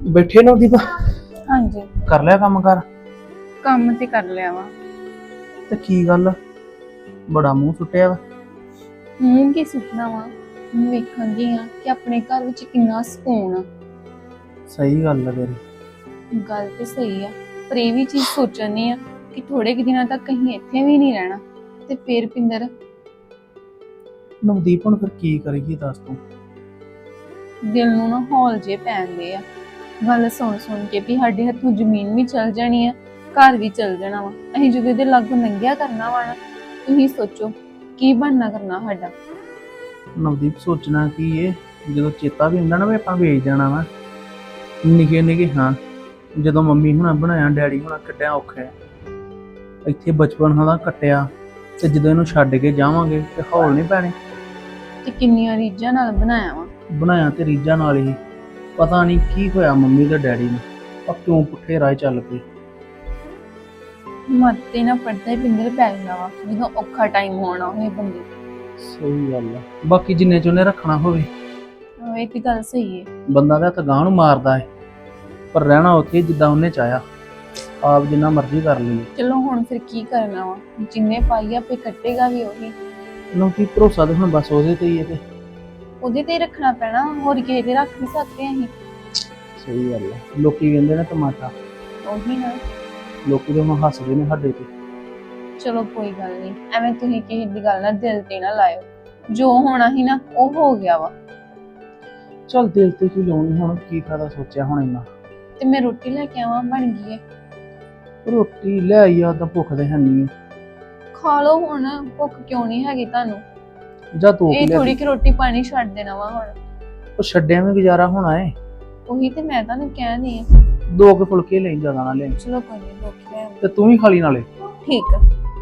ਬੈਠੇ ਨਾ ਦੀਪ ਹਾਂਜੀ ਕਰ ਲਿਆ ਕੰਮ ਕਰ ਕੰਮ ਤੇ ਕਰ ਲਿਆ ਵਾ। ਤੇ ਕੀ ਗੱਲ ਬੜਾ ਮੂੰਹ ਸੁੱਟਿਆ ਵਾ। ਮੂੰਹ ਕੀ ਸੁਪਨਾ ਵਾ। ਮੈਂ ਵੇਖਣ ਦੀ ਆ ਕਿ ਆਪਣੇ ਘਰ ਵਿੱਚ ਕਿੰਨਾ ਸਕੂਨ ਆ। ਸਹੀ ਗੱਲ ਆ ਤੇਰੀ। ਗੱਲ ਤੇ ਸਹੀ ਆ, ਪਰ ਇਹ ਵੀ ਚੀਜ਼ ਸੋਚਣੀ ਆ ਕਿ ਥੋੜੇ ਕੁ ਦਿਨਾਂ ਤੱਕ ਕਹੀਂ ਇੱਥੇ ਵੀ ਨਹੀਂ ਰਹਿਣਾ ਤੇ ਫੇਰ ਪਿੰਦਰ ਨਵਦੀਪ ਹੁਣ ਫਿਰ ਕੀ ਕਰੀਏ ਦੱਸ ਤੂੰ। ਦਿਲ ਨੂੰ ਨਾ ਹੌਲ ਜੇ ਪੈਂਦੇ ਆ ਗੱਲ ਸੁਣ ਸੁਣ ਕੇ ਵੀ ਸਾਡੇ ਹੱਥੋਂ ਜ਼ਮੀਨ ਵੀ ਚਲ ਜਾਣੀ ਆ, ਘਰ ਵੀ ਚਲ ਜਾਣਾ ਵਾ। ਅਸੀਂ ਜਦੋਂ ਇਹਦੇ ਲਾਗੋਂ ਲੰਘਿਆ ਕਰਨਾ ਵਾ ਨਾ, ਤੁਸੀਂ ਸੋਚੋ ਕੀ ਬਣਨਾ ਕਰਨਾ ਸਾਡਾ। ਨਵਦੀਪ ਸੋਚਣਾ ਕੀ ਏ, ਜਦੋਂ ਚੇਤਾ ਵੀ ਹੁੰਦਾ ਨਾ ਵੀ ਆਪਾਂ ਵੇਚ ਜਾਣਾ ਵਾ ਨਿੱਕੇ ਨਿੱਕੇ। ਹਾਂ ਜਦੋਂ ਮੰਮੀ ਹੁਣਾਂ ਬਣਾਇਆ ਡੈਡੀ ਹੁਣਾਂ ਕੱਢਿਆ ਔਖਾ ਹੈ। ਇੱਥੇ ਬਚਪਨ ਦਾ ਕੱਟਿਆ ਤੇ ਜਦੋਂ ਇਹਨੂੰ ਛੱਡ ਕੇ ਜਾਵਾਂਗੇ ਤੇ ਹੌਲ ਨਹੀਂ ਪੈਣੇ। ਤੇ ਕਿੰਨੀਆਂ ਰੀਝਾਂ ਨਾਲ ਬਣਾਇਆ ਵਾ। ਬਣਾਇਆ ਤੇ ਰੀਝਾਂ ਨਾਲ ਹੀ, ਪਤਾ ਨਹੀਂ ਕੀ ਹੋਇਆ ਮੰਮੀ ਤੇ ਡੈਡੀ ਨੂੰ, ਆ ਕਿਉਂ ਪੁੱਠੇ ਰਾਹ ਚੱਲ ਪਏ। ਮਰਤੇ ਨਾ ਪੜਦਾ ਹੀ ਪਿੰਦਰ ਪੈ ਜਾਂਦਾ ਵਾ ਜਦੋਂ ਔਖਾ ਟਾਈਮ ਹੋਣਾ ਹੋਏ ਬੰਦੇ। ਸਹੀ ਗੱਲ ਆ। ਬਾਕੀ ਜਿੰਨੇ ਚ ਉਹਨੇ ਰੱਖਣਾ ਹੋਵੇ, ਇਹ ਤੇ ਗੱਲ ਸਹੀ ਹੈ। ਬੰਦਾ ਤਾਂ ਗਾਂਹ ਨੂੰ ਮਾਰਦਾ ਹੈ, ਪਰ ਰਹਿਣਾ ਉੱਥੇ ਜਿੱਦਾਂ ਉਹਨੇ ਚਾਹਿਆ, ਆਪ ਜਿੰਨਾ ਮਰਜ਼ੀ ਕਰ ਲਈਏ। ਚਲੋ ਹੁਣ ਫਿਰ ਕੀ ਕਰਨਾ ਵਾ, ਜਿੰਨੇ ਪਾਈ ਆਪੇ ਕੱਟੇਗਾ ਵੀ ਉਹੀ। ਇਹਨੂੰ ਕੀ ਭਰੋਸਾ ਤੇ ਹੁਣ ਬਸ ਉਹਦੇ ਤੇ ਹੀ ਹੈ। ਤੇ ਉਹਦੇ ਤੇ ਹੀ ਰੱਖਣਾ ਪੈਣਾ, ਹੋਰ ਕਿਸੇ ਤੇ ਰੱਖ ਨਹੀਂ ਸਕਦੇ ਅਸੀਂ। ਸਹੀ ਗੱਲ ਆ। ਲੋਕੀ ਕਹਿੰਦੇ ਨੇ ਤਮਾਸ਼ਾ, ਉਹੀ ਨਾ। ਲੋਕੀ ਤਾਂ ਹੁਣ ਹੱਸਦੇ ਨੇ ਸਾਡੇ ਤੇ। ਚਲੋ ਕੋਈ ਗੱਲ ਨਹੀਂ, ਐਵੇਂ ਤੁਸੀਂ ਕਿਸੇ ਦੀ ਗੱਲ ਨਾਲ ਦਿਲ ਤੇ ਨਾ ਲਾਇਓ। ਜੋ ਹੋਣਾ ਸੀ ਨਾ ਉਹ ਹੋ ਗਿਆ ਵਾ। ਚੱਲ ਦਿਲ ਤੇ ਕੀ ਲਾਉਣੀ, ਹੁਣ ਕੀ ਫਾਇਦਾ ਸੋਚਿਆ ਹੁਣ ਇੰਨਾ। ਤੇ ਮੈਂ ਰੋਟੀ ਲੈ ਕੇ ਆਵਾਂ, ਬਣ ਗਈ ਹੈ। ਰੋਟੀ ਲੈ ਆਈ ਆ ਤਾਂ ਭੁੱਖ ਤੇ ਹੈ ਨਹੀਂ। ਖਾ ਲਓ ਹੁਣ, ਭੁੱਖ ਕਿਉਂ ਨਹੀਂ ਹੈਗੀ ਤੁਹਾਨੂੰ। ਜਾ ਤੂੰ ਇਹ ਥੋੜੀ ਕਿ ਰੋਟੀ ਪਾਣੀ ਛੱਡ ਦੇਣਾ ਵਾ ਹੁਣ। ਉਹ ਛੱਡਿਆ ਵੀ ਗੁਜ਼ਾਰਾ ਹੋਣਾ ਏ। ਉਹੀ ਤੇ ਮੈਂ ਤੁਹਾਨੂੰ ਕਹਿਣੀ ਆ। 2 ਕੇ ਫੁਲਕੇ ਲਈ ਜ਼ਿਆਦਾ ਨਾ ਲੈ। ਚਲੋ ਕੋਈ ਨਹੀਂ, ਰੋਟੀ ਲੈ ਤੇ ਤੂੰ ਵੀ ਖਾ ਲਈ ਨਾਲੇ। ਠੀਕ ਆ।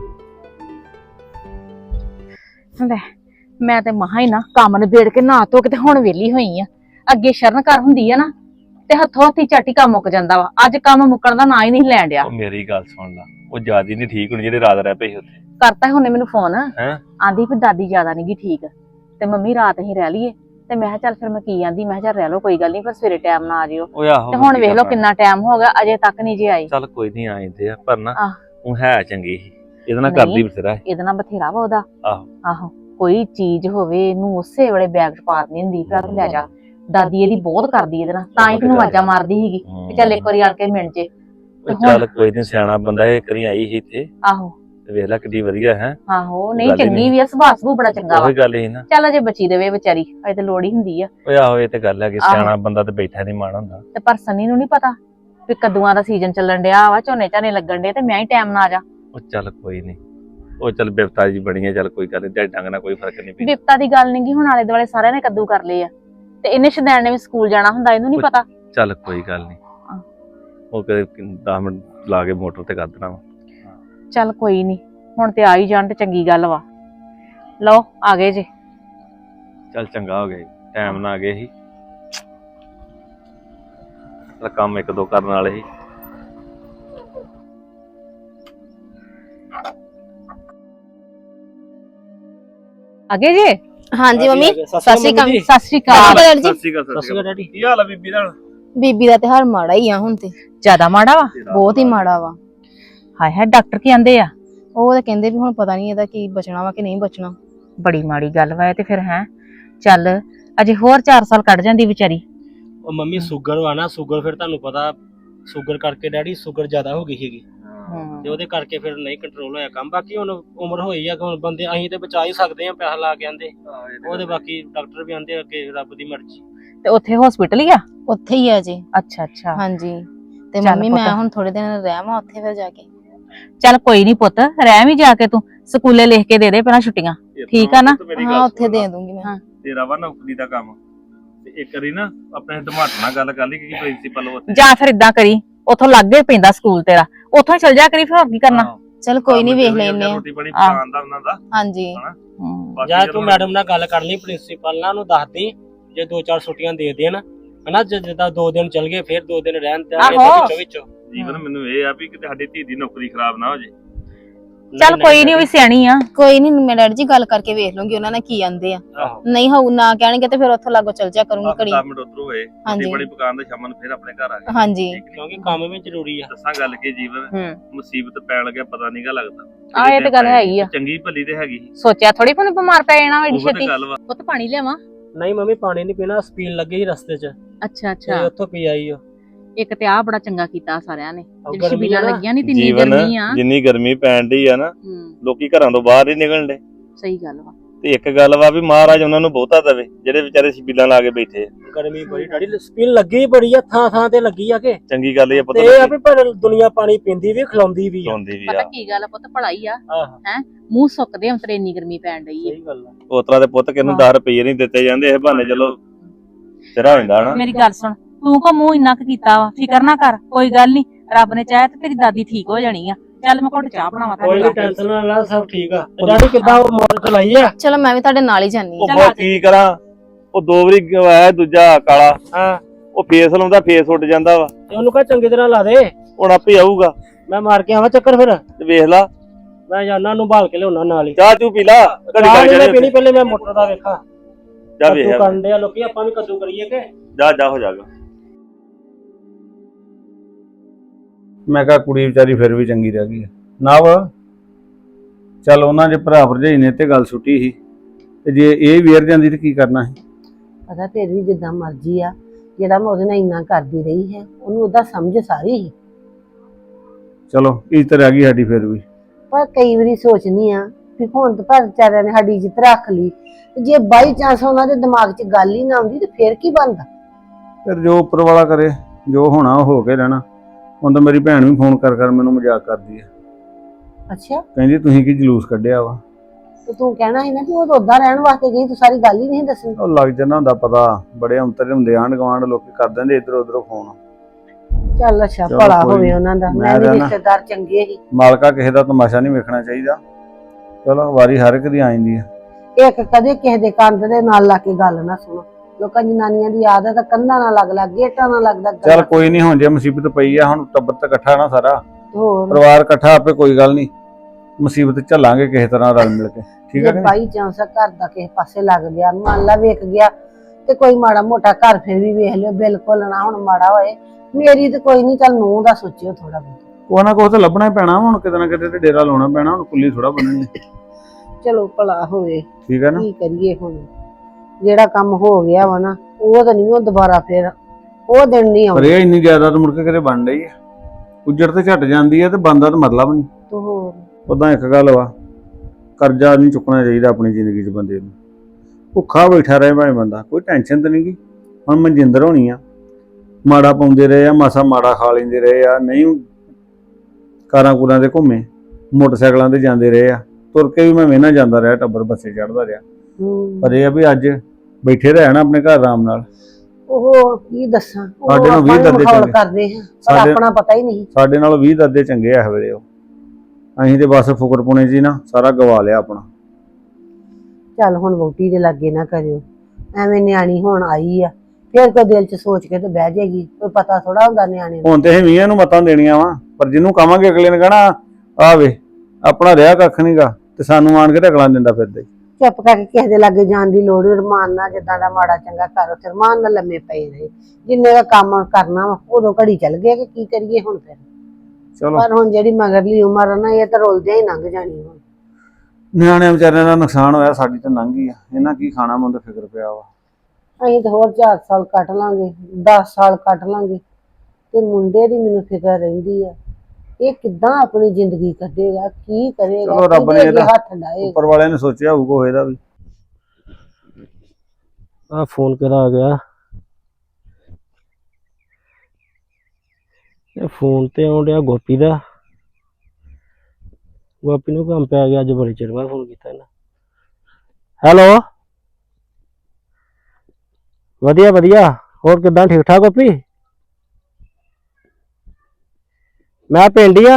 ਲੈ ਮੈਂ ਤੇ ਮਹਾ ਹੀ ਨਾ ਕੰਮ ਨਿਬੇੜ ਕੇ ਨਹਾ ਧੋ ਕੇ ਤੇ ਹੁਣ ਵਿਹਲੀ ਹੋਈ ਆ। ਅੱਗੇ ਸ਼ਰਨ ਘਰ ਹੁੰਦੀ ਆ ਨਾ ਤੇ ਹੱਥੋਂ ਹੱਥੀ ਝਾਟੀ ਕੰਮ ਮੁੱਕ ਜਾਂਦਾ ਵਾ। ਅੱਜ ਕੰਮ ਮੁੱਕਣ ਦਾ ਨਾਂ ਹੀ ਨਹੀਂ ਲੈਣ ਡਿਆ। ਉਹ ਮੇਰੀ ਗੱਲ ਸੁਣ ਲਾ, ਉਹ ਜਿਆਦੀ ਨਹੀਂ ਠੀਕ ਹੋਣੀ ਜਿਹੜੇ ਰਾਤ ਰਹਿ ਪਏ ਉੱਥੇ। ਕਰਤਾ ਹੁਣੇ ਮੈਨੂੰ ਫੋਨ, ਹੈਂ? ਆਂਦੀ ਵੀ ਦਾਦੀ ਜ਼ਿਆਦਾ ਨੀ ਗੀ ਠੀਕ ਤੇ ਮੰਮੀ ਰਾਤ ਹੀ ਰਹਿ ਲਈਏ। ਤੇ ਮੈਂ ਕਿਹਾ ਚੱਲ ਫਿਰ ਮੈਂ ਕੀ ਆਂਦੀ, ਮੈਂ ਕਿਹਾ ਚੱਲ ਰਹਿ ਲਓ ਕੋਈ ਗੱਲ ਨਹੀਂ, ਪਰ ਸਵੇਰੇ ਟਾਈਮ ਨਾਲ ਆ ਜਿਓ। ਓਏ ਆਹੋ ਤੇ ਹੁਣ ਵੇਖ ਲਓ ਕਿੰਨਾ ਟਾਈਮ ਹੋ ਗਿਆ, ਅਜੇ ਤੱਕ ਨਹੀਂ ਜੇ ਆਈ। ਚੱਲ ਕੋਈ ਨਹੀਂ ਆ ਜਾਂਦੇ ਆ, ਪਰ ਨਾ ਆਹ। ਉਹ ਹੈ ਚੰਗੀ ਸੀ, ਇਹਦੇ ਨਾਲ ਨਹੀਂ। ਕਰਦੀ ਬਥੇਰਾ ਸੀ। ਇਹਦੇ ਨਾਲ ਬਥੇਰਾ ਵਾ ਉਹਦਾ। ਆਹੋ ਆਹੋ ਕੋਈ ਚੀਜ਼ ਹੋਵੇ ਇਹਨੂੰ ਉਸੇ ਵੇਲੇ ਬੈਗ 'ਚ ਪਾ ਦਿੰਦੀ ਹੁੰਦੀ, ਫਿਰ ਲੈ ਜਾ। ਦਾਦੀ ਇਹਦੀ ਬਹੁਤ ਕਰਦੀ ਇਹਦੇ ਨਾਲ, ਤਾਂ ਹੀ ਤੈਨੂੰ ਆਵਾਜ਼ਾਂ ਮਾਰਦੀ ਸੀਗੀ ਕਿ ਚੱਲ ਇੱਕ ਵਾਰੀ ਆ ਕੇ ਮਿਲ ਜੇ। ਉਹ ਚੱਲ ਕੋਈ ਨਹੀਂ, ਸਿਆਣਾ ਬੰਦਾ ਇਹ ਕਰੀ ਆਈ ਸੀ ਇੱਥੇ ਆਹੋ ਤੇ ਵੇਖ ਲੈ ਕਿੱਡੀ ਵਧੀਆ ਹੈ। ਆਹੋ ਨਹੀਂ ਚੰਗੀ ਵੀ ਆ, ਸੁਭਾਅ ਸੁਭੂ ਬੜਾ ਚੰਗਾ ਵਾ। ਉਹੀ ਗੱਲ ਹੀ ਨਾ। ਚੱਲ ਅਜੇ ਬੱਚੀ ਦੇਵੇ ਵਿਚਾਰੀ, ਅਜੇ ਤੇ ਲੋੜ ਹੀ ਹੁੰਦੀ ਆ। ਓਏ ਆਹੋ ਇਹ ਤੇ ਗੱਲ ਹੈ ਕਿ ਸਿਆਣਾ ਬੰਦਾ ਤੇ ਬੈਠਾ ਨਹੀਂ ਮਾਣ ਹੁੰਦਾ। ਤੇ ਪਰ ਸੰਨੀ ਨੂੰ ਨਹੀਂ ਪਤਾ ਵੀ ਕੱਦੂਆਂ ਦਾ ਸੀਜ਼ਨ ਚੱਲਣ ਡਿਆ ਵਾ, ਝੋਨੇ ਝਾਨੇ ਲੱਗਣ ਡੇ ਤੇ ਮੈਂ ਹੀ ਟਾਈਮ ਨਾਲ ਆ ਜਾ। ਉਹ ਚੱਲ ਕੋਈ ਨਹੀਂ, ਉਹ ਚੱਲ ਬਿਪਤਾ ਜੀ ਬਣੀ ਹੈ, ਚੱਲ ਕੋਈ ਗੱਲ ਨਹੀਂ, ਡੰਗ ਨਾਲ ਕੋਈ ਫਰਕ ਨਹੀਂ ਪੈਂਦਾ। ਵਿਪਤਾ ਦੀ ਗੱਲ ਨੀ ਗੀ, ਹੁਣ ਆਲੇ ਦੁਆਲੇ ਸਾਰਿਆਂ ਨੇ ਕੱਦੂ ਕਰ ਲਏ ਆ ਤੇ ਇਹਨੇ ਸ਼ਦੈਣ ਨੇ ਵੀ ਸਕੂਲ ਜਾਣਾ ਹੁੰਦਾ, ਇਹਨੂੰ ਨਹੀਂ ਪਤਾ। ਚੱਲ ਕੋਈ ਗੱਲ ਨਹੀਂ, ਉਹ ਕਦੇ 10 ਮਿੰਟ ਲਾ ਕੇ ਮੋਟਰ ਤੇ ਕਰ ਦੇਣਾ ਵਾ। ਚੱਲ ਕੋਈ ਨਹੀਂ, ਹੁਣ ਤੇ ਆ ਹੀ ਜਾਣ ਤੇ ਚੰਗੀ ਗੱਲ ਵਾ। ਲਓ ਆ ਗਏ ਜੇ। ਚੱਲ ਚੰਗਾ ਹੋ ਗਿਆ, ਟਾਈਮ ਨਾਲ ਆ ਗਏ ਸੀ। ਚੱਲ ਕੰਮ 1-2 ਕਰਨ ਵਾਲੇ ਸੀ। ਆ ਗਏ ਜੇ। ਹਾਂਜੀ ਮੰਮੀ ਸਤਿ ਸ਼੍ਰੀ ਅਕਾਲ। ਸਤਿ ਸ਼੍ਰੀ ਅਕਾਲ ਡੈਡੀ ਜੀ। ਸਤਿ ਸ਼੍ਰੀ ਅਕਾਲ ਡੈਡੀ। ਕੀ ਹਾਲ ਆ ਬੀਬੀ ਦਾ? ਬੀਬੀ ਦਾ ਤੇ ਹਾਲ ਮਾੜਾ ਹੀ ਆ ਹੁਣ ਤੇ, ਜ਼ਿਆਦਾ ਮਾੜਾ ਵਾ। ਬਹੁਤ ਹੀ ਮਾੜਾ ਵਾ। ਹਾਏ ਹਾਏ ਡਾਕਟਰ ਕੀ ਆਂਦੇ ਆ? ਉਹ ਤਾਂ ਕਹਿੰਦੇ ਵੀ ਹੁਣ ਪਤਾ ਨਹੀਂ ਇਹਦਾ ਕੀ ਬਚਣਾ ਵਾ ਕਿ ਨਹੀਂ ਬਚਣਾ। ਬੜੀ ਮਾੜੀ ਗੱਲ ਵਾ ਇਹ ਤੇ। ਫਿਰ ਹੈ ਚੱਲ ਅਜੇ ਹੋਰ 4 ਸਾਲ ਕੱਢ ਜਾਂਦੀ ਵਿਚਾਰੀ। ਉਹ ਮੰਮੀ ਸ਼ੂਗਰ ਵਾ ਨਾ, ਸ਼ੂਗਰ ਫਿਰ ਤੁਹਾਨੂੰ ਪਤਾ ਸ਼ੂਗਰ ਕਰਕੇ ਡੈਡੀ ਸ਼ੂਗਰ ਜ਼ਿਆਦਾ ਹੋ ਗਈ ਸੀਗੀ ਤੇ ਉਹਦੇ ਕਰਕੇ ਫਿਰ ਨਹੀਂ ਕੰਟਰੋਲ ਹੋਇਆ ਕੰਮ। ਬਾਕੀ ਹੁਣ ਉਮਰ ਹੋਈ ਆ, ਹੁਣ ਬੰਦੇ ਅਸੀਂ ਤੇ ਬਚਾ ਹੀ ਸਕਦੇ ਆ ਪੈਸਾ ਲਾ ਕੇ ਆਂਦੇ ਉਹਦੇ, ਬਾਕੀ ਡਾਕਟਰ ਵੀ ਆਂਦੇ ਅੱਗੇ ਰੱਬ ਦੀ ਮਰਜ਼ੀ। ਤੇ ਉੱਥੇ ਹਸਪੀਟਲ ਹੀ ਆ? ਉੱਥੇ ਹੀ ਆ ਜੀ। ਅੱਛਾ ਅੱਛਾ ਹਾਂਜੀ ਤੇ ਚੱਲ ਮੰਮੀ ਪੁੱਤ। ਮੈਂ ਹੁਣ ਥੋੜੇ ਦਿਨ ਰਹਿਵਾਂ ਉੱਥੇ ਫਿਰ ਜਾ ਕੇ। ਚੱਲ ਕੋਈ ਨਹੀਂ ਪੁੱਤ, ਰਹਿ ਵੀ ਜਾ ਕੇ ਤੂੰ ਸਕੂਲੇ ਲਿਖ ਕੇ ਦੇ ਦੇ ਪਹਿਲਾਂ ਛੁੱਟੀਆਂ, ਠੀਕ ਆ ਨਾ? ਹਾਂ ਉੱਥੇ ਦੇ ਦੂੰਗੀ ਮੈਂ। ਤੇਰਾ ਵਾ ਨੌਕਰੀ ਦਾ ਕੰਮ, ਤੇ ਇੱਕ ਵਾਰੀ ਨਾ ਆਪਣੇ ਢਮਾਟ ਨਾਲ ਗੱਲ ਕਰ ਲਈ ਕਿ ਪ੍ਰਿੰਸੀਪਲ ਉੱਥੇ। ਜਾਂ ਫਿਰ ਇਦਾਂ ਕਰੀ, ਉੱਥੋਂ ਲੱਗੇ ਪੈਂਦਾ ਸਕੂਲ ਤੇਰਾ, ਉੱਥੋਂ ਚਲ ਜਾ ਕਰੀ, ਫਿਰ ਹੋਰ ਕੀ ਕਰਨਾ। ਚਲ ਕੋਈ ਨਹੀਂ ਵੇਖ ਲੈਨੇ ਆ। ਰੋਟੀ ਬੜੀ ਪਸੰਦ ਆ ਉਹਨਾਂ ਦਾ। ਹਾਂਜੀ ਜਾਂ ਤੂੰ ਮੈਡਮ ਨਾਲ ਗੱਲ ਕਰ ਲਈ ਪ੍ਰਿੰਸੀਪਲ ਨਾਲ, ਉਹਨੂੰ ਦੱਸ ਦੀ ਜੇ 2-4 ਛੁੱਟੀਆਂ ਦੇ ਦੇਣ ਹਨਾ, ਜਿੱਦਾਂ 2 ਦਿਨ ਚਲ ਗਏ ਫਿਰ 2 ਦਿਨ ਰਹਿਣ ਤੇ ਵਿੱਚੋਂ ਜੀਵਨ ਮੈਨੂੰ ਇਹ ਆ ਵੀ ਕਿਤੇ ਸਾਡੀ ਧੀ ਦੀ ਨੌਕਰੀ ਖਰਾਬ ਨਾ ਹੋ ਜੇ। ਚੱਲ ਕੋਈ ਨਹੀਂ ਉਹ ਵੀ ਸਿਆਣੀ ਆ। ਕੋਈ ਨਹੀਂ, ਮੈਂ ਡੈਡੀ ਜੀ ਗੱਲ ਕਰਕੇ ਵੇਖ ਲੂੰਗੀ ਉਹਨਾਂ ਨੇ ਕੀ ਆਂਦੇ ਆ। ਆਹੋ ਨਹੀਂ ਹੋਊ ਨਾ ਕਹਿਣਗੇ ਤੇ ਫਿਰ ਉੱਥੋਂ ਲਾਗੋ ਚਲ ਜਾ ਕਰੂੰਗੀ ਘੜੀ। 10 ਮਿੰਟ ਉਧਰੋਂ ਹੋਏ ਹਾਂਜੀ। ਰੋਟੀ ਬੜੀ ਪਕਾਉਣ ਦੇ ਸ਼ਾਮ ਨੂੰ ਫਿਰ ਆਪਣੇ ਘਰ ਆ ਗਏ। ਹਾਂਜੀ ਕਿਉਂਕਿ ਕੰਮ ਵੀ ਜ਼ਰੂਰੀ ਆ। ਦੱਸਾਂ ਗੱਲ ਕੀ ਜੀਵਨ ਹੂੰ ਮੁਸੀਬਤ ਪੈਣ ਲੱਗਿਆ ਪਤਾ ਨਹੀਂਗਾ ਲੱਗਦਾ। ਆ ਇਹ ਤੇ ਗੱਲ ਹੈਗੀ ਆ। ਚੰਗੀ ਭਲੀ ਤੇ ਹੈਗੀ ਸੀ। ਸੋਚਿਆ ਥੋੜੀ ਕੋਨੇ ਬਿਮਾਰ ਪੈ ਜਾਣਾ ਏਡੀ ਉਹ ਤੇ ਛੇਤੀ। ਗੱਲ ਵਾ। ਪੁੱਤ ਪਾਣੀ ਲਿਆਵਾਂ। ਨਹੀਂ ਮੰਮੀ ਪਾਣੀ ਨਹੀਂ ਪੀਣਾ, ਸਪੀਨ ਲੱਗੀ ਸੀ ਰਸਤੇ 'ਚ ਅੱਛਾ ਤੇ ਅੱਛਾ। ਉੱਥੋਂ ਪੀ ਆਈ ਉਹ। ਇੱਕ ਤੇ ਆ ਬੜਾ ਚੰਗਾ ਕੀਤਾ ਸਾਰਿਆਂ ਨੇ, ਜਿਹੜੀ ਗਰਮੀ ਛਬੀਲਾਂ ਆ ਨਾ। ਲੱਗੀਆਂ ਨਹੀਂ ਤਿੰਨੀ ਜੀਵਨ ਗਰਮੀ ਆ। ਜਿੰਨੀ ਗਰਮੀ ਪੈਣ ਡਈ ਆ ਨਾ ਹੂੰ ਲੋਕੀ ਘਰਾਂ ਤੋਂ ਬਾਹਰ ਹੀ ਨਿਕਲਣ ਡੇ। ਸਹੀ ਗੱਲ ਵਾ। ਤੇ ਇੱਕ ਗੱਲ ਵਾ ਵੀ ਮਹਾਰਾਜ ਉਹਨਾਂ ਨੂੰ ਬਹੁਤਾ ਦੇਵੇ ਜਿਹੜੇ ਵਿਚਾਰੇ ਛਬੀਲਾਂ ਲਾ ਕੇ ਬੈਠੇ ਆ। ਗਰਮੀ ਬੜੀ ਡੈਡੀ, ਸਪੀਨ ਲੱਗੀ ਬੜੀ ਆ, ਥਾਂ ਥਾਂ ਤੇ ਲੱਗੀ ਆ ਕਿ ਚੰਗੀ ਗੱਲ ਇਹ ਤੇ ਇਹ ਆ ਵੀ ਪਰ ਦੁਨੀਆ ਪਾਣੀ ਪੀਂਦੀ ਵੀ ਖਿਲਾਉਂਦੀ ਵੀ ਆ। ਹੁੰਦੀ ਵੀ ਪਤਾ ਆ। ਕੀ ਗੱਲ ਆ ਪੁੱਤ, ਭਲਾਈ ਆ। ਆਹ ਮੂੰਹ ਸੁੱਕਦੇ ਅੰਤਰੇ ਇੰਨੀ ਗਰਮੀ ਪੈਣ ਡਈ ਆ। ਸਹੀ ਗੱਲ ਆ। ਉਤਰਾ ਦੇ ਪੁੱਤ ਕਿਹਨੂੰ 10 ਰੁਪਏ ਨਹੀਂ ਦਿੱਤੇ ਜਾਂਦੇ ਇਹ ਬਹਾਨੇ ਚਲੋ ਸਿਰਾ ਹੋ ਜਾਂਦਾ ਨਾ। ਮੇਰੀ ਗੱਲ ਸੁਣ, ਤੂੰ ਕੋ ਮੂੰਹ ਇੰਨਾ ਕੁ ਕੀਤਾ ਵਾ, ਫਿਕਰ ਨਾ ਕਰ, ਕੋਈ ਗੱਲ ਨਹੀਂ, ਰੱਬ ਨੇ ਚਾਹਿਆ ਤੇ ਤੇਰੀ ਦਾਦੀ ਠੀਕ ਹੋ ਜਾਣੀ ਆ। ਚੱਲ ਮੈਂ ਘੁੱਟ ਚਾਹ ਬਣਾਵਾਂ ਕੋਈ ਤੁਹਾਡੇ ਨਹੀਂ, ਟੈਨਸ਼ਨ ਨਾ ਲੈ, ਸਭ ਠੀਕ ਆ। ਤੇ ਡੈਡੀ ਕਿੱਦਾਂ ਉਹ ਮੋਟਰ ਚਲਾਈ ਆ? ਚਲੋ ਮੈਂ ਵੀ ਤੁਹਾਡੇ ਨਾਲ ਹੀ ਜਾਨੀ ਉਹ ਆ। ਬਹੁਤ ਕੀ ਕਰਾਂ, ਉਹ 2 ਵਾਰੀ ਆਇਆ ਦੂਜਾ ਕਾਲਾ, ਹਾਂ ਉਹ ਫੇਸ ਲਾਉਂਦਾ ਫੇਸ ਉੱਡ ਜਾਂਦਾ ਵਾ। ਤੇ ਉਹਨੂੰ ਕਹ ਚੰਗੀ ਤਰ੍ਹਾਂ ਲਾ ਦੇ। ਹੁਣ ਆਪੇ ਆਊਗਾ ਮੈਂ ਮਾਰ ਕੇ ਆਵਾਂ ਚੱਕਰ ਫਿਰ। ਤੇ ਵੇਖ ਲਾ। ਮੈਂ ਜਾਨਾ ਨੂੰ ਭਾਲ ਕੇ ਲਿਆਉਣਾ ਨਾਲ ਹੀ। ਚਾਹ ਚੂ ਪੀ ਲਾ ਘੜੀ ਚਾਹ ਲੱਗ ਨੀ ਮੈਂ ਜਾਣੀ ਪੀਣੀ, ਪਹਿਲੇ ਮੈਂ ਮੋਟਰ ਦਾ ਵੇਖਾਂ। ਜਾ ਕੱਦੂ ਵੇਖ ਕਰਨ ਦੇ ਆ ਲੋਕੀ, ਆਪਾਂ ਵੀ ਕੱਦੂ ਕਰੀਏ ਕਿ? ਜਾ ਹੋ ਜਾਗਾ। ਮੈਂ ਕਿਹਾ ਕੁੜੀ ਵਿਚਾਰੀ ਫਿਰ ਵੀ ਚੰਗੀ ਰਹਿ ਗਈ ਨਾ ਵਾ। ਚੱਲ ਉਹਨਾਂ ਦੇ ਭਰਾ ਭਰਜਾਈ ਨੇ ਤੇ ਗੱਲ ਸੁੱਟੀ ਸੀ, ਤੇ ਜੇ ਇਹ ਵੇਰ ਜਾਂਦੀ ਤੇ ਕੀ ਕਰਨਾ ਸੀ। ਪਤਾ ਤੇਰੀ ਵੀ ਜਿੱਦਾਂ ਮਰਜ਼ੀ ਆ, ਜਿਹੜਾ ਮੈਂ ਉਹਦੇ ਨਾਲ ਇੰਨਾ ਕਰਦੀ ਰਹੀ ਹੈ, ਉਹਨੂੰ ਉਹਦਾ ਸਮਝ ਸਾਰੀ ਸੀ। ਚਲੋ ਇੱਜ਼ਤ ਰਹਿ ਗਈ ਸਾਡੀ ਫਿਰ ਵੀ। ਪਰ ਕਈ ਵਾਰੀ ਸੋਚਨੀ ਆ ਵੀ ਹੁਣ ਤਾਂ ਪਰ ਵਿਚਾਰਿਆਂ ਨੇ ਸਾਡੀ ਇੱਜ਼ਤ ਰੱਖ ਲਈ, ਤੇ ਜੇ ਬਾਈ ਚਾਂਸ ਉਹਨਾਂ ਦੇ ਦਿਮਾਗ 'ਚ ਗੱਲ ਹੀ ਨਾ ਆਉਂਦੀ ਤੇ ਫਿਰ ਕੀ ਬਣਦਾ। ਫਿਰ ਜੋ ਉੱਪਰ ਵਾਲਾ ਕਰੇ, ਜੋ ਹੋਣਾ ਉਹ ਹੋ ਕੇ ਰਹਿਣਾ। ਹੁਣ ਤਾਂ ਮੇਰੀ ਭੈਣ ਵੀ ਫੋਨ ਕਰ ਮੈਨੂੰ ਮਜ਼ਾਕ ਕਰਦੀ ਹੈ, ਅੱਛਾ, ਕਹਿੰਦੀ ਤੁਸੀਂ ਕੀ ਜਲੂਸ ਕੱਢਿਆ ਵਾ। ਤੇ ਤੂੰ ਕਹਿਣਾ ਸੀ ਨਾ ਕਿ ਉਹ ਤਾਂ ਉੱਦਾਂ ਰਹਿਣ ਵਾਸਤੇ ਗਈ, ਤੂੰ ਸਾਰੀ ਗੱਲ ਹੀ ਨਹੀਂ ਦੱਸਣੀ। ਉਹ ਲੱਗ ਜਾਂਦਾ ਹੁੰਦਾ ਪਤਾ, ਬੜੇ ਅੰਤਰ ਹੁੰਦੇ ਆਂਢ ਗੁਆਂਢ ਲੋਕੀ ਕਰ ਦਿੰਦੇ ਇੱਧਰ ਉੱਧਰੋਂ ਫੋਨ। ਚੱਲ ਅੱਛਾ, ਚਲੋ ਭਲਾ ਕੋਈ ਹੋਵੇ ਨੀ। ਉਹਨਾਂ ਦਾ। ਮੈਂ ਮੈਂ ਵੀ ਰਹਿਣਾ। ਰਿਸ਼ਤੇਦਾਰ ਚੰਗੇ ਸੀ। ਮਾਲਕਾ ਕਿਸੇ ਦਾ ਤਮਾਸ਼ਾ ਨਹੀਂ ਵੇਖਣਾ ਚਾਹੀਦਾ। ਚਲੋ ਵਾਰੀ ਹਰ ਇੱਕ ਦੀ ਆ ਜਾਂਦੀ ਹੈ। ਇੱਕ ਕਦੇ ਕਿਸੇ ਦੇ ਕੰਧ ਦੇ ਨਾਲ ਲਾ ਕੇ ਗੱਲ ਨਾ ਸੁਣੋ। ਲੋਕਾਂ ਜਨਾਨੀਆਂ ਦੀ ਆਦਤ ਆ, ਕੰਧਾਂ ਨਾਲ ਲੱਗ ਗੇਟਾਂ ਨਾਲ ਲੱਗਦਾ। ਚੱਲ ਕੋਈ ਨਹੀਂ, ਹੁਣ ਜੇ ਮੁਸੀਬਤ ਪਈ ਆ, ਹੁਣ ਟੱਬਰ ਤਾਂ ਇਕੱਠਾ ਨਾ ਸਾਰਾ ਹੋਰ ਪਰਿਵਾਰ ਇਕੱਠਾ, ਆਪੇ ਕੋਈ ਗੱਲ ਨਹੀਂ, ਮੁਸੀਬਤ ਝੱਲਾਂਗੇ ਕਿਸੇ ਤਰ੍ਹਾਂ ਰਲ ਮਿਲ ਕੇ, ਠੀਕ ਹੈ ਕਿ ਨਹੀਂ? ਬਾਈ ਚਾਂਸ ਘਰ ਦਾ ਕਿਸੇ ਪਾਸੇ ਲੱਗ ਗਿਆ, ਮੰਨ ਲਾ ਵੇਖ ਗਿਆ, ਤੇ ਕੋਈ ਮਾੜਾ ਮੋਟਾ ਘਰ ਫਿਰ ਵੀ ਵੇਖ ਲਿਓ, ਬਿਲਕੁਲ ਨਾ ਹੁਣ ਮਾੜਾ ਹੋਏ। ਮੇਰੀ ਤੇ ਕੋਈ ਨਹੀਂ, ਚੱਲ ਨੂੰਹ ਦਾ ਸੋਚਿਓ ਥੋੜਾ ਬਹੁਤ। ਕੋਈ ਨਾ ਕੋਈ ਤਾਂ ਲੱਭਣਾ ਹੀ ਪੈਣਾ, ਹੁਣ ਕਿਤੇ ਨਾ ਕਿਤੇ ਤੇ ਡੇਰਾ ਲਾਉਣਾ ਪੈਣਾ, ਹੁਣ ਕੁੱਲੀ ਥੋੜਾ ਬਣਨੀ ਹੈ, ਚਲੋ ਭਲਾ ਹੋਵੇ, ਠੀਕ ਹੈ ਨਾ? ਕੀ ਕਰੀਏ ਹੁਣ। ਜਿਹੜਾ ਕੰਮ ਹੋ ਗਿਆ ਵਾ ਨਾ, ਉਹ ਤਾਂ ਨਹੀਂ ਉਹ ਦੁਬਾਰਾ ਫਿਰ ਉਹ ਦਿਨ ਨਹੀਂ ਪਰ ਆਉਂਦੇ। ਇਹ ਇੰਨੀ ਜ਼ਿਆਦਾ ਤਾਂ ਮੁੜ ਕੇ ਕਿਤੇ ਬਣ ਰਹੀ ਹੈ, ਉੱਜੜ ਤੇ ਝਟ ਜਾਂਦੀ ਹੈ ਤੇ ਬੰਦਾ ਤਾਂ ਮਤਲਬ ਨਹੀਂ। ਤੇ ਹੋਰ ਉਦਾਂ ਇੱਕ ਗੱਲ ਵਾ, ਕਰਜ਼ਾ ਨਹੀਂ ਚੁੱਕਣਾ ਚਾਹੀਦਾ ਆਪਣੀ ਜ਼ਿੰਦਗੀ 'ਚ ਬੰਦੇ ਨੂੰ। ਭੁੱਖਾ ਬੈਠਾ ਰਹੇ ਭਾਵੇਂ ਬੰਦਾ, ਕੋਈ ਟੈਨਸ਼ਨ ਤਾਂ ਨਹੀਂ ਗੀ। ਹੁਣ ਮਨਜਿੰਦਰ ਹੋਣੀ ਆ, ਮਾੜਾ ਪਾਉਂਦੇ ਰਹੇ ਆ, ਮਾਸਾ ਮਾੜਾ ਖਾ ਲੈਂਦੇ ਰਹੇ ਆ, ਨਹੀਂ ਕਾਰਾਂ ਕੂਰਾਂ ਤੇ ਘੁੰਮੇ, ਮੋਟਰਸਾਈਕਲਾਂ ਤੇ ਜਾਂਦੇ ਰਹੇ ਆ, ਤੁਰ ਕੇ ਵੀ ਮੈਂ ਵੇਹਨਾ ਜਾਂਦਾ ਰਿਹਾ, ਟੱਬਰ ਬੱਸੇ ਚੜ੍ਹਦਾ ਰਿਹਾ। ਪਰ ਇਹ ਆ ਵੀ ਅੱਜ ਬੈਠੇ ਰਹਿਣਾ ਆਪਣੇ ਘਰ ਆਰਾਮ ਨਾਲ। ਉਹ ਕੀ ਦੱਸਾਂ, ਉਹ ਸਾਡੇ ਨੂੰ ਆਪਾਂ 20 ਨੂੰ ਦਰਦੇ ਮਖੌਲ ਚੰਗੇ। ਕਰਦੇ ਆ, ਪਰ ਸਾਡੇ- ਆਪਣਾ ਪਤਾ ਹੀ ਨਹੀਂ। ਸਾਡੇ ਨਾਲੋਂ 20 ਦਾਦੇ ਚੰਗੇ ਆ ਇਹ ਵੇਲੇ ਉਹ। ਅਸੀਂ ਤੇ ਬਸ ਫੁਕਰਪੁਣੇ ਜੀ ਨਾ ਸਾਰਾ ਗਵਾ ਲਿਆ ਆਪਣਾ। ਚੱਲ ਹੁਣ ਵਹੁਟੀ ਦੇ ਲਾਗੇ ਨਾ ਕਰਿਓ, ਐਵੇਂ ਨਿਆਣੀ ਹੁਣ ਆਈ ਆ, ਫਿਰ ਕੋਈ ਦਿਲ 'ਚ ਸੋਚ ਕੇ ਤੇ ਬਹਿ ਜਾਏਗੀ, ਕੋਈ ਪਤਾ ਥੋੜਾ ਹੁੰਦਾ ਨਿਆਣੇ ਨੂੰ। ਹੁਣ ਤੇ ਅਸੀਂ 20 ਨੂੰ ਮਤਾਂ ਦੇਣੀਆਂ ਵਾ, ਪਰ ਜਿਹਨੂੰ ਕਵਾਂਗੇ ਅਗਲੇ ਨੇ ਕਹਿਣਾ ਆ ਵੇ ਆਪਣਾ ਰਿਹਾ ਕੱਖ ਨਹੀਂਗਾ, ਤੇ ਸਾਨੂੰ ਆਣ ਕੇ ਤੇ ਅਗਲਾ ਦਿੰਦਾ ਫਿਰਦੇ। ਚੁੱਪ ਕਰਕੇ ਕਿਸੇ ਦੇ ਲਾਗੇ ਜਾਣ ਦੀ ਲੋੜ ਨੀ, ਰਮਾਨ ਨਾਲ ਜਿੱਦਾਂ ਦਾ ਮਾੜਾ ਚੰਗਾ ਘਰ ਉੱਥੇ ਰਮਾਨ ਨਾਲ ਲੰਮੇ ਪਏ ਰਹੇ, ਜਿੰਨੇ ਦਾ ਕੰਮ ਕਰਨਾ ਵਾ ਉਦੋਂ ਘੜੀ ਚੱਲ ਗਏ ਕਿ ਕੀ ਕਰੀਏ ਹੁਣ ਫਿਰ। ਚਲੋ ਪਰ ਹੁਣ ਜਿਹੜੀ ਮਗਰਲੀ ਉਮਰ ਆ ਨਾ, ਇਹ ਤਾਂ ਰੁਲਦਿਆਂ ਹੀ ਲੰਘ ਜਾਣੀ ਹੁਣ। ਨਿਆਣਿਆਂ ਵਿਚਾਰਿਆਂ ਦਾ ਨੁਕਸਾਨ ਹੋਇਆ, ਸਾਡੀ ਤਾਂ ਲੰਘ ਗਈ ਆ, ਇਹਨਾਂ ਕੀ ਖਾਣਾ, ਮੈਨੂੰ ਤਾਂ ਫਿਕਰ ਪਿਆ ਵਾ। ਅਸੀਂ ਤਾਂ ਹੋਰ 4 ਸਾਲ ਕੱਟ ਲਾਂਗੇ, 10 ਸਾਲ ਕੱਟ ਲਾਂਗੇ, ਤੇ ਮੁੰਡੇ ਦੀ ਮੈਨੂੰ ਫਿਕਰ ਰਹਿੰਦੀ ਆ, ਇਹ ਕਿੱਦਾਂ ਆਪਣੀ ਜ਼ਿੰਦਗੀ ਕੱਢੇਗਾ, ਕੀ ਕਰੇਗਾ, ਚਲੋ ਰੱਬ ਨੇ ਕਿਹਦੇ ਅੱਗੇ ਇਹਦਾ ਹੱਥ ਡਾਏਗਾ। ਉੱਪਰ ਵਾਲਿਆਂ ਨੇ ਸੋਚਿਆ ਹੋਊਗਾ ਇਹਦਾ ਵੀ। ਆ ਫੋਨ ਕਿਹਦਾ ਆ ਗਿਆ? ਇਹ ਫੋਨ ਤੇ ਆਉਣ ਡਿਆ ਗੋਪੀ ਦਾ। ਗੋਪੀ ਨੂੰ ਕੰਮ ਪੈ ਗਿਆ, ਅੱਜ ਬੜੀ ਚਿਰ ਬਾਅਦ ਫੋਨ ਕੀਤਾ ਇਹਨਾਂ। ਹੈਲੋ, ਵਧੀਆ ਵਧੀਆ, ਹੋਰ ਕਿੱਦਾਂ, ਠੀਕ ਠਾਕ ਗੋਪੀ? ਮੈਂ ਪਿੰਡ ਹੀ ਆ।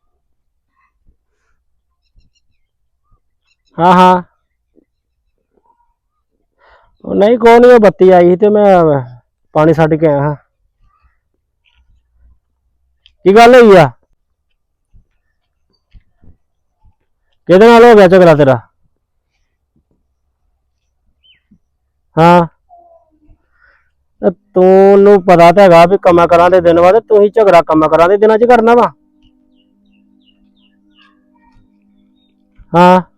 ਹਾਂ ਹਾਂ, ਉਹ ਨਹੀਂ ਕੋਈ ਨਹੀਂ, ਉਹ ਬੱਤੀ ਆਈ ਸੀ ਤੇ ਮੈਂ ਪਾਣੀ ਛੱਡ ਕੇ ਆਇਆ ਹਾਂ। ਕੀ ਗੱਲ ਹੋਈ ਆ? ਕਿਹਦੇ ਨਾਲ ਹੋ ਗਿਆ ਝਗੜਾ ਤੇਰਾ? ਹਾਂ ਤੇ ਤੈਨੂੰ ਪਤਾ ਤਾਂ ਹੈਗਾ ਵੀ ਕੰਮਾਂ ਕਰਾਂ ਦੇ ਦਿਨ ਵਾ ਤੇ ਤੂੰ ਹੀ ਝਗੜਾ ਕੰਮਾਂ ਕਰਾਂ ਦੇ ਦਿਨਾਂ 'ਚ ਕਰਨਾ ਵਾ। ਹਾਂ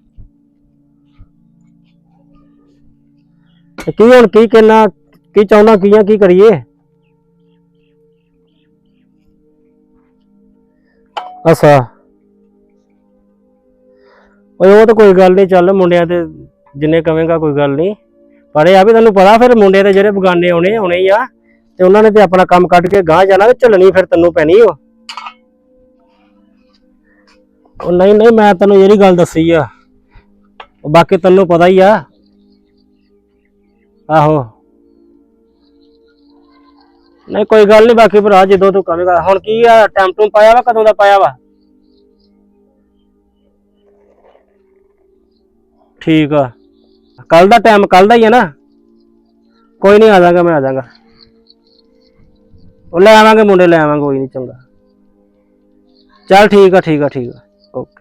ਤੇ ਕੀ ਹੁਣ ਕੀ ਕਹਿਣਾ, ਕੀ ਚਾਹੁੰਦਾ, ਕੀ ਕਰੀਏ? ਅੱਛਾ ਓਏ ਉਹ ਤਾਂ ਕੋਈ ਗੱਲ ਨਹੀਂ, ਚੱਲ ਮੁੰਡਿਆਂ ਤੇ ਜਿੰਨੇ ਕਵੇਂਗਾ ਕੋਈ ਗੱਲ ਨਹੀਂ, ਪਰ ਇਹ ਆ ਵੀ ਤੈਨੂੰ ਪਤਾ ਫਿਰ ਮੁੰਡੇ ਦੇ ਜਿਹੜੇ ਬਗਾਨੇ ਆਉਣੇ ਹੀ ਆ ਤੇ ਉਹਨਾਂ ਨੇ ਤੇ ਆਪਣਾ ਕੰਮ ਕੱਢ ਕੇ ਗਾਂਹ ਜਾਣਾ ਤੇ ਝੱਲਣੀ ਫਿਰ ਤੈਨੂੰ ਪੈਣੀ ਉਹ ਨਹੀਂ ਮੈਂ ਤੈਨੂੰ ਜਿਹੜੀ ਗੱਲ ਦੱਸੀ ਆ ਉਹ ਬਾਕੀ ਤੈਨੂੰ ਪਤਾ ਹੀ ਆ। ਆਹੋ ਨਹੀਂ ਕੋਈ ਗੱਲ ਨਹੀਂ, ਬਾਕੀ ਭਰਾ ਜਦੋਂ ਤੂੰ ਕਵੇਂਗਾ। ਹੁਣ ਕੀ ਆ ਟਾਈਮ ਟੂਮ ਪਾਇਆ ਵਾ, ਕਦੋਂ ਦਾ ਪਾਇਆ ਵਾ? ਠੀਕ ਆ, ਕੱਲ ਦਾ ਟਾਈਮ ਕੱਲ ਦਾ ਹੀ ਹੈ ਨਾ? ਕੋਈ ਨਹੀਂ, ਆ ਜਾਗਾ ਮੈਂ, ਆ ਜਾਗਾ। ਉਹ ਲੈ ਆਵਾਂਗੇ ਮੁੰਡੇ, ਲੈ ਆਵਾਂਗੇ, ਕੋਈ ਨਹੀਂ, ਚੰਗਾ ਚੱਲ ਠੀਕ ਆ ਓਕੇ।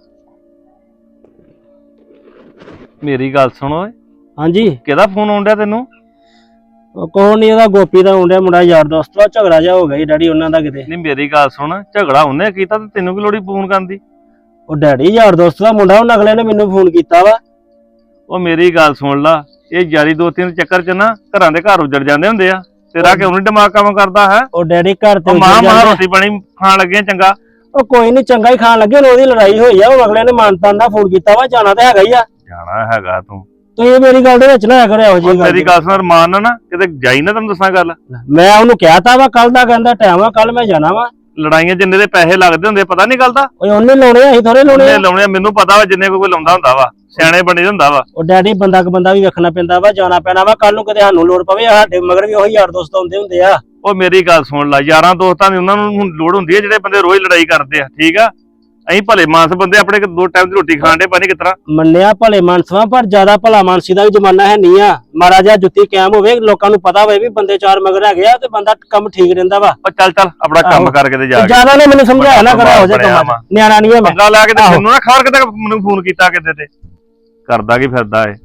ਮੇਰੀ ਗੱਲ ਸੁਣ ਓਏ, ਹਾਂਜੀ ਕਿਹਦਾ ਫੋਨ ਆਉਂਦਾ ਤੈਨੂੰ? ਉਹ ਕੋਣ ਨਹੀਂ, ਉਹਦਾ ਗੋਪੀ ਦਾ ਮੁੰਡਾ, ਮੁੰਡਾ ਯਾਰ ਦੋਸਤ ਵਾ, ਝਗੜਾ ਜਾ ਹੋ ਗਿਆ ਜੀ ਡੈਡੀ ਉਹਨਾਂ ਦਾ ਕਿਤੇ। ਨਹੀਂ ਮੇਰੀ ਗੱਲ ਸੁਣ, ਝਗੜਾ ਉਹਨੇ ਕੀਤਾ ਤੇ ਤੈਨੂੰ ਕੀ ਲੋੜੀ ਫੋਨ ਕਰਨ ਦੀ? ਉਹ ਡੈਡੀ ਯਾਰ ਦੋਸਤ ਦਾ ਮੁੰਡਾ, ਉਹ ਅਗਲੇ ਨੇ ਮੈਨੂੰ ਫੋਨ ਕੀਤਾ ਵਾ। ਉਹ ਮੇਰੀ ਗੱਲ ਸੁਣ ਲਾ, ਇਹ ਯਾਰੀ ਦੋਸਤੀ ਦੇ ਚੱਕਰ 'ਚ ਨਾ ਘਰਾਂ ਦੇ ਘਰ ਉੱਜੜ ਜਾਂਦੇ ਹੁੰਦੇ ਆ। ਤੇਰਾ ਕਿਉਂ ਨੀ ਦਿਮਾਗ ਕੰਮ ਕਰਦਾ ਹੈ? ਉਹ ਡੈਡੀ ਘਰ ਤੇ ਮਾਂ ਰੋਟੀ ਪਾਣੀ ਖਾਣ ਲੱਗੇ ਚੰਗਾ। ਉਹ ਕੋਈ ਨਹੀਂ, ਚੰਗਾ ਹੀ ਖਾਣ ਲੱਗੇ, ਉਹਦੀ ਲੜਾਈ ਹੋਈ ਆ, ਉਹ ਅਗਲੇ ਨੇ ਮਾਨਤਾਨ ਦਾ ਫੋਨ ਕੀਤਾ ਵਾ, ਜਾਣਾ ਤਾਂ ਹੈਗਾ ਹੀ ਆ। ਜਾਣਾ ਹੈਗਾ ਤੂੰ ਤੁਸੀਂ ਮੇਰੀ ਗੱਲ ਦੇ ਵਿੱਚ ਨਾ ਕਰਿਆ ਇਹੋ ਜਿਹੀ ਗੱਲ। ਮੇਰੀ ਗੱਲ ਸੁਣ ਰਮਾਨ ਨਾ ਕਿਤੇ ਜਾਈ ਨਾ, ਤੈਨੂੰ ਦੱਸਾਂ ਗੱਲ। ਮੈਂ ਉਹਨੂੰ ਕਹਿਤਾ ਵਾ ਕੱਲ ਦਾ, ਕਹਿੰਦਾ ਟਾਈਮ ਆ, ਕੱਲ ਮੈਂ ਜਾਣਾ ਵਾ। ਲੜਾਈਆਂ ਜਿੰਨੇ ਦੇ ਪੈਸੇ ਲੱਗਦੇ ਹੁੰਦੇ ਪਤਾ ਨਹੀਂ ਗੱਲ ਦਾ। ਓਏ ਉਹਨੇ ਲਾਉਣੇ ਆ, ਅਸੀਂ ਥੋੜੇ ਲਾਉਣੇ ਆ। ਲਾਉਣੇ ਮੈਨੂੰ ਪਤਾ ਵਾ, ਜਿੰਨੇ ਕੋਈ ਲਾਉਂਦਾ ਹੁੰਦਾ ਵਾ, ਸਿਆਣੇ ਬਣੇ ਹੁੰਦਾ ਵਾ। ਉਹ ਡੈਡੀ ਬੰਦਾ ਵੀ ਵੇਖਣਾ ਪੈਂਦਾ ਵਾ, ਜਾਣਾ ਪੈਣਾ ਵਾ, ਕੱਲ ਨੂੰ ਕਿਤੇ ਸਾਨੂੰ ਲੋੜ ਪਵੇ, ਸਾਡੇ ਮਗਰ ਵੀ ਉਹੀ ਯਾਰ ਦੋਸਤ ਹੁੰਦੇ ਆ। ਉਹ ਮੇਰੀ ਗੱਲ ਸੁਣ ਲਾ, ਯਾਰਾਂ ਦੋਸਤਾਂ ਦੀ ਉਹਨਾਂ ਨੂੰ ਲੋੜ ਹੁੰਦੀ ਹੈ ਜਿਹੜੇ ਬੰਦੇ ਰੋਜ਼ ਲੜਾਈ ਕਰਦੇ ਆ, ਠੀਕ ਆ? ਅਸੀਂ ਭਲੇ ਮਾਨਸ ਬੰਦੇ ਆਪਣੇ 2 ਟਾਈਮ ਦੀ ਰੋਟੀ ਖਾਣ ਦੇ ਪਾਣੀ ਕਿਤਰਾ ਮੰਨਿਆ ਭਲੇ ਮਾਨਸਵਾ, ਪਰ ਜ਼ਿਆਦਾ ਭਲਾ ਮਾਨਸੀ ਦਾ ਵੀ ਜ਼ਮਾਨਾ ਹੈ ਨਹੀਂ ਆ। ਮਾੜਾ ਜਿਹਾ ਜੁੱਤੀ ਕਾਇਮ ਹੋਵੇ, ਲੋਕਾਂ ਨੂੰ ਪਤਾ ਹੋਵੇ ਵੀ ਬੰਦੇ 4 ਮਗਰ ਹੈਗੇ ਆ, ਤੇ ਬੰਦਾ ਕੰਮ ਠੀਕ ਰਹਿੰਦਾ ਵਾ। ਉਹ ਚੱਲ ਆਪਣਾ ਕੰਮ ਕਰਕੇ ਤੇ ਜਾ ਕੇ। ਜ਼ਿਆਦਾ ਨੇ ਮੈਨੂੰ ਸਮਝਾਇਆ ਨਾ ਕਰਾ ਹੋ ਜਾ ਕੰਮ, ਨਿਆਣਾ ਨਹੀਂ ਹੈ ਮੈਂ। ਪੰਗਾ ਲੈ ਕੇ ਤੇ ਮੈਨੂੰ ਨਾ ਖਬਰ ਕਿਤੇ ਮੈਨੂੰ ਫੋਨ ਕੀਤਾ ਕਿਤੇ ਤੇ ਕਰਦਾ ਕੀ ਫਿਰਦਾ ਏ।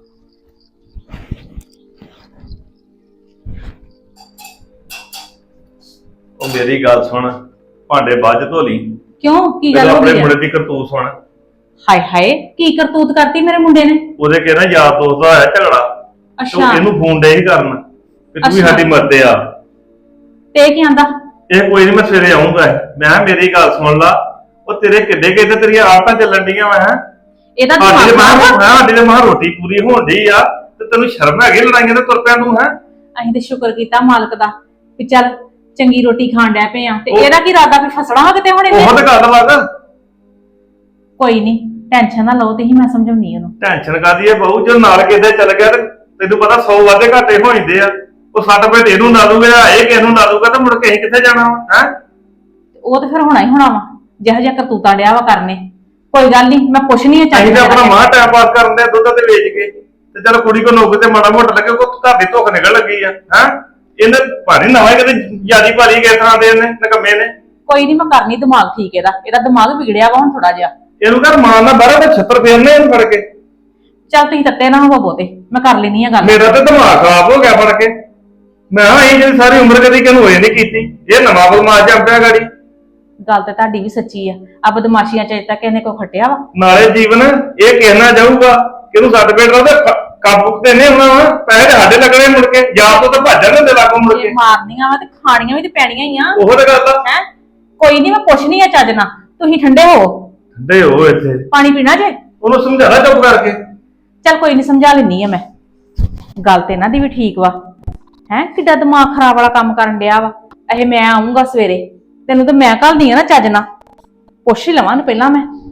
ਉਹ ਮੇਰੀ ਗੱਲ ਸੁਣ, ਭਾਂਡੇ ਬਾਅਦ ਚ ਧੋ ਲਈ। ਕਿਉਂ, ਕੀ ਗੱਲ ਹੋ ਆਪਣੇ ਗਈ? ਮੁੰਡੇ ਦੀ ਕਰਤੂਤ ਸੁਣ। ਹਾਏ ਹਾਏ, ਕੀ ਕਰਤੂਤ ਕਰਤੀ ਮੇਰੇ ਮੁੰਡੇ ਨੇ? ਉਹਦੇ ਕਹਿੰਦਾ ਯਾਰ ਦੋਸਤ ਦਾ ਹੋਇਆ ਝਗੜਾ, ਤੇ ਅੱਛਾ, ਇਹਨੂੰ ਫੋਨ ਡੇ ਹੀ ਕਰਨ ਕਿ ਤੂੰ ਵੀ ਅੱਛਾ। ਸਾਡੀ ਮਦਦ ਆ। ਤੇ ਕੀ ਆਂਦਾ? ਇਹ ਕੋਈ ਨਹੀਂ, ਮੈਂ ਸਵੇਰੇ ਆਉਂਗਾ। ਮੈਂ ਕਿਹਾ ਮੇਰੀ ਗੱਲ ਸੁਣ ਲਾ, ਉਹ ਤੇਰੇ ਕਿੱਡੇ ਕਿੱਡੇ ਤੇਰੀਆਂ ਆਦਤਾਂ ਚੱਲਣ ਡੀਆਂ ਵਾ। ਇਹਦਾ ਸਾਡੀ ਦਿਮਾਗ ਖਰਾਬ ਆ। ਸਾਡੀ ਦੇ ਮਾਂ ਰੋਟੀ ਪੂਰੀ ਹੋਣ ਡਈ ਆ ਤੇ ਤੈਨੂੰ ਸ਼ਰਮ ਹੈਗੀ ਲੜਾਈਆਂ ਤੇ ਤੁਰ ਪਿਆ ਤੂੰ? ਹੈ ਅਸੀਂ ਤੇ ਸ਼ੁਕਰ ਕੀਤਾ ਮਾਲਕ ਦਾ ਵੀ ਚੱਲ ਚੰਗੀ ਰੋਟੀ ਖਾਣ ਡੈ ਪਏ ਆ, ਤੇ ਉਹ- ਇਹਦਾ ਕੀ ਇਰਾਦਾ ਵੀ ਫਸਣਾ ਵਾ ਕਿਤੇ ਹੁਣ ਇਹਨੇ? ਉਹ ਤਾਂ ਗੱਲ ਵਾ। ਕੋਈ ਨਹੀਂ, ਟੈਨਸ਼ਨ ਨਾ ਲਓ, ਤੁਸੀਂ, ਮੈਂ ਸਮਝਾਉਣੀ ਉਹਨੂੰ। ਟੈਨਸ਼ਨ ਕਾਦੀ ਹੈ ਬਹੂ, ਜੇ ਨਾਲ ਕਿਤੇ ਚੱਲ ਗਿਆ ਤੇ ਤੈਨੂੰ ਪਤਾ 100 ਵਾਧੇ ਘਾਟੇ ਹੋ ਜਾਂਦੇ ਆ। ਉਹ 60 ਰੁਪਏ ਇਹਨੂੰ ਲਾ ਦੂਗਾ, ਇਹ ਕਿਸੇ ਨੂੰ ਲਾ ਦੂਗਾ, ਤੇ ਮੁੜ ਕੇ ਅਸੀਂ ਕਿੱਥੇ ਜਾਣਾ ਵਾ? ਹੈ ਉਹ ਤੇ ਫਿਰ ਹੋਣਾ ਹੀ ਹੋਣਾ ਵਾ, ਜਿਹੋ ਜਿਹਾ ਕਰਤੂਤਾਂ ਡਿਆ ਵਾ ਕਰਨੇ। ਕੋਈ ਗੱਲ ਨਹੀਂ, ਮੈਂ ਪੁੱਛਣੀ ਆ ਅਸੀਂ ਤਾਂ ਆਪਣਾ ਮਾਂ ਟਾਈਮ ਪਾਸ ਕਰਨ ਦੇ ਦੁੱਧ ਤੇ ਵੇਚ ਕੇ, ਤੇ ਚਲ ਕੁੜੀ ਕੋ ਨੌਕਰੀ ਤੇ ਮਾੜਾ ਮੋਟਾ ਲੱਗੇ, ਕੋ ਘਰ ਦੀ ਧੁੱਖ ਨਿਕਲ ਲੱਗੀ ਆ। ਹੈ ਇਹਨੇ ਭਾਰੀ ਨਵਾਂ ਕਿਤੇ ਜਿਆਦੀ ਭਾਰੀ ਕਿਸ ਤਰ੍ਹਾਂ ਦੇ ਨੇ ਨਕਮੇ ਨੇ। ਕੋਈ ਨਹੀਂ, ਮੈਂ ਕਰਨੀ ਦਿਮਾਗ ਠੀਕ ਇਹਦਾ ਦਿਮਾਗ ਵਿਗੜਿਆ ਵਾ ਹੁਣ ਥੋੜਾ ਜਿਹਾ। ਇਹਨੂੰ ਕਰ ਮਾਂ ਨਾਲ ਬਾਹਰ ਤੇ 76 ਫੇਰਨੇ ਇਹਨੂੰ ਫੜ ਕੇ। ਚੱਲ ਤੁਸੀਂ ਤੱਤੇ ਨਾ ਹੋਵੋ ਬਹੁਤੇ, ਮੈਂ ਕਰ ਲੈਣੀ ਆ ਗੱਲ। ਮੇਰਾ ਤੇ ਦਿਮਾਗ ਖਰਾਬ ਹੋ ਗਿਆ ਫੜ ਕੇ। ਮੈਂ ਕਿਹਾ ਅਸੀਂ ਜਿਹੜੀ ਸਾਰੀ ਉਮਰ ਕਦੀ ਕਿਹਨੂੰ ਹੋਏ ਨਹੀਂ ਕੀਤੀ, ਇਹ ਨਵਾਂ ਬਦਮਾਸ਼ ਜੰਪਿਆ ਗਾੜੀ। ਗੱਲ ਤਾਂ ਤੁਹਾਡੀ ਵੀ ਸੱਚੀ ਆ ਬਦਮਾਸ਼ੀਆਂ ਚ ਅਜੇ ਤੱਕ ਇਹਨੇ ਕੋਈ ਖੱਟਿਆ ਵਾ? ਨਾਲੇ ਜੀਵਨ ਇਹ ਕਹਿਣਾ ਜਾਊਗਾ ਕਿ ਇਹਨੂੰ ਸੱਟ ਪੇਟ ਉਹਦੇ ਕਾਬੂ ਤੇ ਨਹੀਂ ਹੋਣਾ, ਪੈਸੇ ਸਾਡੇ ਲੱਗਣੇ ਮੁੜ ਕੇ, ਜਾਂ ਤੋਂ ਤਾਂ ਭੱਜ ਜਾਂਦੇ ਲਾਗੋਂ ਮੁੜ ਕੇ। ਜੇ ਮਾਰਨੀਆਂ ਵਾ ਤੇ ਖਾਣੀਆਂ ਵੀ ਤੇ ਪੈਣੀਆਂ ਹੀ ਆ। ਉਹ ਤਾਂ ਗੱਲ ਆ। ਹੈ ਕੋਈ ਨਹੀਂ, ਮੈਂ ਪੁੱਛਣੀ ਆ ਚੱਜ ਨਾਲ, ਤੁਸੀਂ ਠੰਡੇ ਹੋ। ਠੰਡੇ ਹੋ ਇੱਥੇ, ਪਾਣੀ ਪੀਣਾ ਜੇ? ਉਹਨੂੰ ਸਮਝਾਣਾ ਚੁੱਪ ਕਰਕੇ। ਚੱਲ ਕੋਈ ਨਹੀਂ, ਸਮਝਾ ਲੈਣੀ ਆ ਮੈਂ। ਗੱਲ ਤੇ ਇਹਨਾਂ ਦੀ ਵੀ ਠੀਕ ਵਾ। ਹੈ ਕਿੱਡਾ ਦਿਮਾਗ ਖਰਾਬ ਵਾਲਾ ਕੰਮ ਕਰਨ ਡਿਆ ਵਾ ਇਹ। ਮੈਂ ਆਉਂਗਾ ਸਵੇਰੇ, ਤੈਨੂੰ ਤਾਂ ਮੈਂ ਘੱਲਦੀ ਆ ਨਾ ਚੱਜ ਨਾਲ, ਪੁੱਛ ਹੀ ਲਵਾਂ ਪਹਿਲਾਂ ਮੈਂ।